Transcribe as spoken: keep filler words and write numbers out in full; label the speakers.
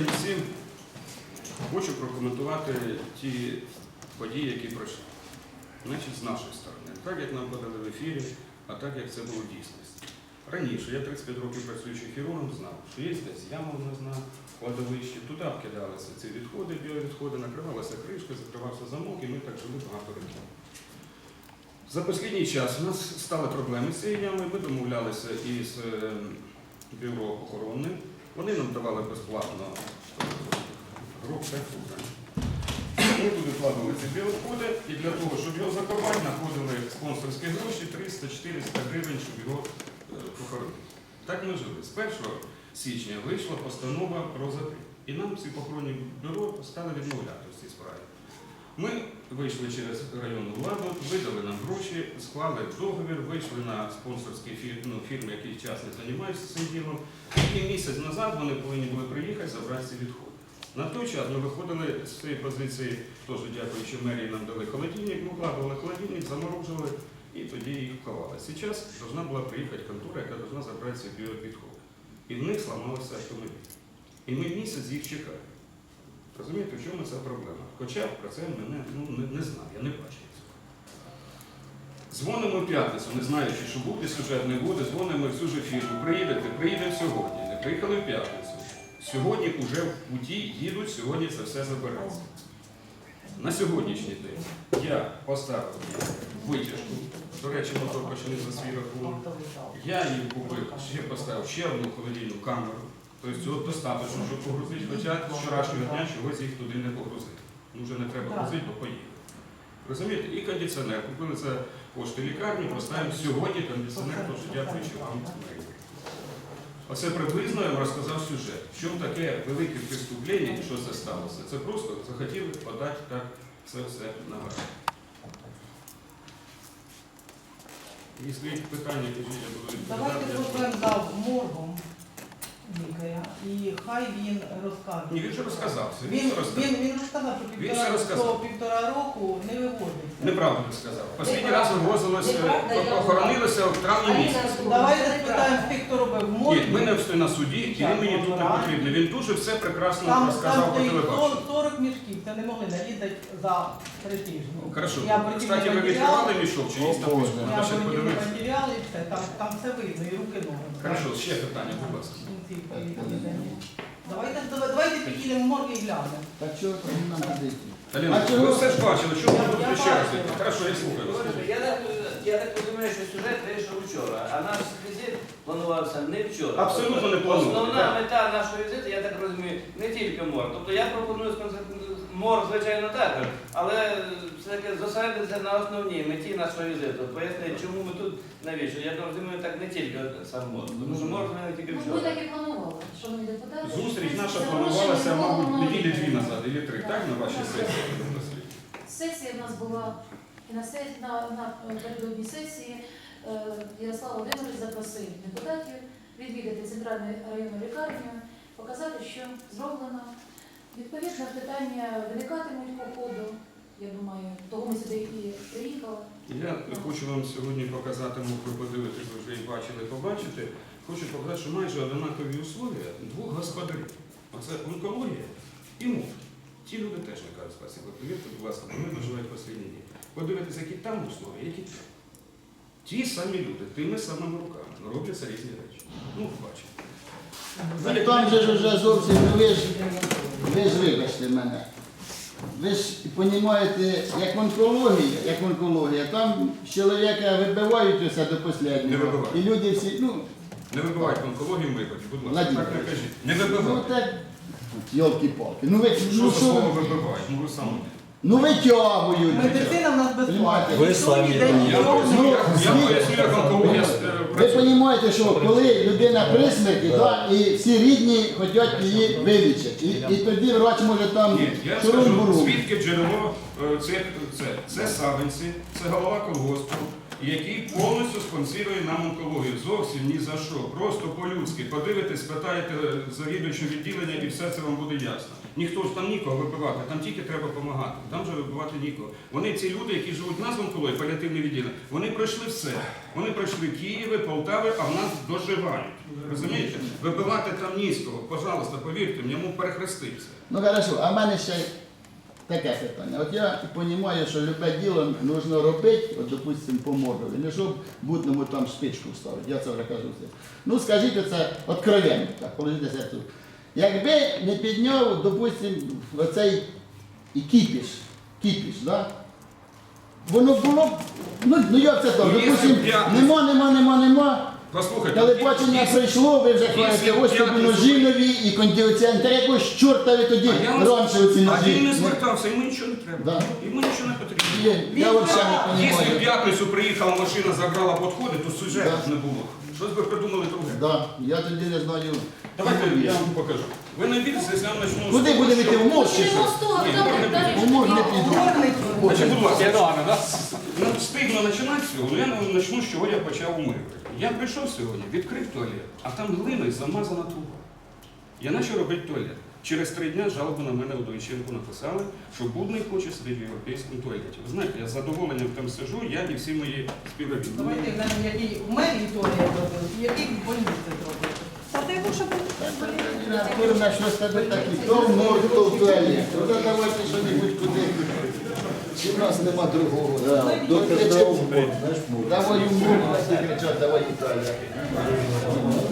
Speaker 1: день всім. Хочу прокоментувати ті події, які пройшли. Значить, з нашої сторони. Так, як нам подали в ефірі, а так, як це було в дійсності. Раніше, я тридцять п'ять років працюючи хірургом, знав, що є десь яма в нас на кладовищі, туди вкидалися ці відходи, біовідходи, накривалася кришка, закривався замок, і ми так жили багато років. За останній час у нас стали проблеми з цією ямою, ми домовлялися із бюро охоронним, вони нам давали безплатно грубка. Ми туди вкладали ці біовідходи, і для того, щоб його закопати, знаходили спонсорські гроші триста-чотириста гривень, щоб його похоронити. Так ми жили. З першого січня вийшла постанова про закрит. І нам всі похоронні бюро стали відмовляти в цій справі. Ми вийшли через районну владу, видали нам гроші, склали договір, вийшли на спонсорські фірми, ну, фірми, які часно займаються цим ділом. І місяць назад вони повинні були приїхати забрати ці відходи. На той час ми виходили з цієї позиції, теж дякуючи мерії, нам дали холодильник, ми вкладували холодильник, заморожували і тоді їх вклали. Зараз повинна була приїхати контора, яка повинна забрати ці біовідходи. І в них зламався автомобіль. І ми місяць їх чекаємо. Розумієте, в чому ця проблема? Хоча про це мене ну, не, не знаю, я не бачу цього. Дзвонимо в п'ятницю, не знаючи, що буде сюжет, не буде, дзвонимо в цю ж фірму. Приїдете, приїдемо сьогодні. Не приїхали в п'ятницю. Сьогодні вже в путі їдуть, сьогодні це все забереться. На сьогоднішній день я поставив витяжку, до речі, мотор почали за свій рахунок. Я її купив, ще поставив ще одну холодильну камеру. Тобто цього достатньо, щоб погрузити, хоча з вчорашнього дня чогось їх туди не погрузити. Ну вже не треба грузити, бо поїхали. Розумієте? І кондиціонер. Купили за кошти лікарні, поставимо сьогодні кондиціонер, тож дякуючи вам. Оце приблизно я вам розказав сюжет. В чому таке велике преступлення і що це сталося? Це просто захотіли подати так це все на газ. Якщо є питання, то я буду відповідати.
Speaker 2: Давайте зробимо за моргом лікаря і хай він розкаже.
Speaker 1: Ні, він вже розказав.
Speaker 2: Він,
Speaker 1: Він,
Speaker 2: він, він розказав, що півтора,
Speaker 1: розказав.
Speaker 2: півтора року не виводиться.
Speaker 1: Неправду не сказав. Останній раз вивозилося, охоронилося в травні місяці.
Speaker 2: Давайте запитаємо тих, хто робив морг.
Speaker 1: Ні, ми не встиг на суді, і він мені тут не потрібний. Він дуже все прекрасно
Speaker 2: Там,
Speaker 1: розказав
Speaker 2: там
Speaker 1: по телебаченню.
Speaker 2: сорок мішків, це не могли нарізати за три тижні.
Speaker 1: Хорошо.
Speaker 2: Я прикинув
Speaker 1: Кстати, ви
Speaker 2: матеріали,
Speaker 1: відкривали мішок, чи є там
Speaker 3: О,
Speaker 1: письмо?
Speaker 2: я
Speaker 1: Треба ще
Speaker 2: прикинув
Speaker 1: подивитися.
Speaker 2: матеріали і все, там, там все видно, і руки ноги.
Speaker 1: Хорошо, ще питання, будь ласка.
Speaker 2: Давайте, давайте підійдемо в морг і глянемо.
Speaker 3: Так що нам ходити?
Speaker 1: Аліна,
Speaker 3: А чого?
Speaker 1: ви все ж бачили, що ви тут
Speaker 2: Я
Speaker 1: ще раз?
Speaker 2: бачила.
Speaker 1: Хорошо, я слухаю вас.
Speaker 4: Слухайте, Я так, я так розумію, що сюжет вийшов вчора, а наш візит планувався не вчора.
Speaker 1: Абсолютно не планували,
Speaker 4: Основна
Speaker 1: так.
Speaker 4: мета нашого візиту, я так розумію, не тільки мор. Тобто я пропоную сконцентрувати мор, звичайно, також, але все-таки зосередитися на основній меті нашого візиту. Пояснити, чому ми тут, навіщо. Я розумію, так не тільки сам мор. Тому що мор ми тільки
Speaker 5: Ну, ми
Speaker 4: вчора.
Speaker 5: так і планували, шановні депутати.
Speaker 1: Зустріч наша
Speaker 5: Це
Speaker 1: планувалася,
Speaker 5: гроші
Speaker 1: мабуть,
Speaker 5: минулого
Speaker 1: неділі дві
Speaker 5: року.
Speaker 1: назад, або три, так, на вашій сесії?
Speaker 5: Сесія в нас була, і на, сесії, на, на передодній сесії е, Ярослав Володимирович запросив депутатів відвідати центральну районну лікарню, показати, що зроблено. Відповідно, питання виникатимуть по ходу. Я думаю, того ми сюди і приїхали.
Speaker 1: Я хочу вам сьогодні показати, можу ви подивитися, ви вже і бачили, побачити. Хочу показати, що майже однакові условия двох господарів. Оце онкологія і муфт. Ті люди теж не кажуть спасибо. Повірте, будь ласка, вони доживають останні дні. Подивитися, які там условия, які там. Ті самі люди, тими самими руками, робляться різні речі. Ну, бачите.
Speaker 3: Ну, там же ж вже зовсім, ну ви ж, ви ж вибачте мене. Ви ж розумієте, як онкологія, як онкологія, там чоловіка вибивають усе до
Speaker 1: Не
Speaker 3: останнього.
Speaker 1: вибивають.
Speaker 3: І люди всі, ну,
Speaker 1: Не вибивайте онкологію в випадку, будь ласка,
Speaker 3: Владимир
Speaker 1: так не кажіть. Не
Speaker 3: ну
Speaker 1: вибивайте.
Speaker 3: так, йолки-палки. Ну ви,
Speaker 1: Що
Speaker 3: ну
Speaker 1: за
Speaker 3: що
Speaker 1: слово
Speaker 3: ви,
Speaker 1: вибивають? Ну ви самі.
Speaker 3: ну витягують.
Speaker 2: Медицина в нас безплатна.
Speaker 3: Ви
Speaker 2: Ніхто ніде
Speaker 1: Я
Speaker 2: нічого
Speaker 1: поясню,
Speaker 2: не
Speaker 1: як- я
Speaker 3: звідки?
Speaker 1: поясню, як онкологія е,
Speaker 3: Ви
Speaker 1: працює.
Speaker 3: розумієте, що коли людина при смерті, да, і всі рідні хочуть її вилічити. І, і тоді врач може там
Speaker 1: Ні, я скажу,
Speaker 3: шурум-бурум.
Speaker 1: звідки джерело е, цих, це, це савинці, це голова колгоспу, і який повністю спонсорує нам онкологію. Зовсім ні за що. Просто по-людськи. Подивитесь, спитаєте завідувачу відділення і все це вам буде ясно. Ніхто ж там нікого вибивати, там тільки треба допомагати. Там же вибивати нікого. Вони ці люди, які живуть в нас в онкології, паліативне відділення, вони пройшли все. Вони пройшли Києви, Полтави, а в нас доживають. Розумієте? Вибивати там низького, пожалуйста, повірте, в ньому перехрестився.
Speaker 3: Ну хорошо, а в мене ще таке питання. От я розумію, що любе діло потрібно робити, от, допустимо, по мордові, не щоб будному там спичку вставити, я це вже кажу все. Ну скажіть оце откровенно, так, положите серцю. Якби не підняв, допустимо, оцей і кіпіш, кіпіш, да? Воно було б, ну, ну як це так,
Speaker 1: Ну,
Speaker 3: допустимо,
Speaker 1: якщо б я-
Speaker 3: нема, нема, нема, нема.
Speaker 1: Послухайте,
Speaker 3: Телебачення
Speaker 1: якщо-
Speaker 3: прийшло, ви вже
Speaker 1: якщо
Speaker 3: хвалите, ось тобі
Speaker 1: п'ятницю-
Speaker 3: ножі нові і кондиціонер, якось чорта ви тоді
Speaker 1: А я вас-
Speaker 3: раніше оці
Speaker 1: А він не
Speaker 3: ножі.
Speaker 1: звертався, йому нічого не треба.
Speaker 3: Да.
Speaker 1: Йому нічого не потрібно.
Speaker 3: Є, Я взагалі не
Speaker 1: Якщо в
Speaker 3: розумію.
Speaker 1: п'ятницю приїхала машина, забрала підходи, то сюжету
Speaker 3: Да.
Speaker 1: не було. Щось би придумали друге.
Speaker 3: Да, я тоді не знаю.
Speaker 1: Давайте я вам покажу. Ви не вірите, якщо я почну...
Speaker 3: Куди
Speaker 1: з того,
Speaker 3: будемо
Speaker 1: що-
Speaker 3: йти? В морг чи
Speaker 5: Почнемо
Speaker 3: що?
Speaker 5: з того,
Speaker 1: Ні,
Speaker 5: хто
Speaker 1: можна
Speaker 5: далі.
Speaker 3: У морг не піду.
Speaker 1: Значить, будь ласка, ну, стидно починати з цього, але я почну, з чого я почав у мирі. Я прийшов сьогодні, відкрив туалет, а там глиною замазана труба. Я почав робити туалет. Через три дні жалобу на мене у Дойченку написали, що Будний хоче сидіти в європейському туалеті. Ви знаєте, я з задоволенням там сиджу, я і всі мої співробітники.
Speaker 2: Давайте глянемо, який в мерії туалет робив, і який в больниці зробив. Та ти лучше
Speaker 3: Курна, що з тебе такі? То в морг, то в туалет. Ну давайте що-небудь куди.
Speaker 6: Чи в нас нема другого?
Speaker 3: Да,
Speaker 6: Доктор
Speaker 3: кричать,
Speaker 6: дав, знаєш, мов.
Speaker 3: Давай у морг, всі кричать, давай в туалет.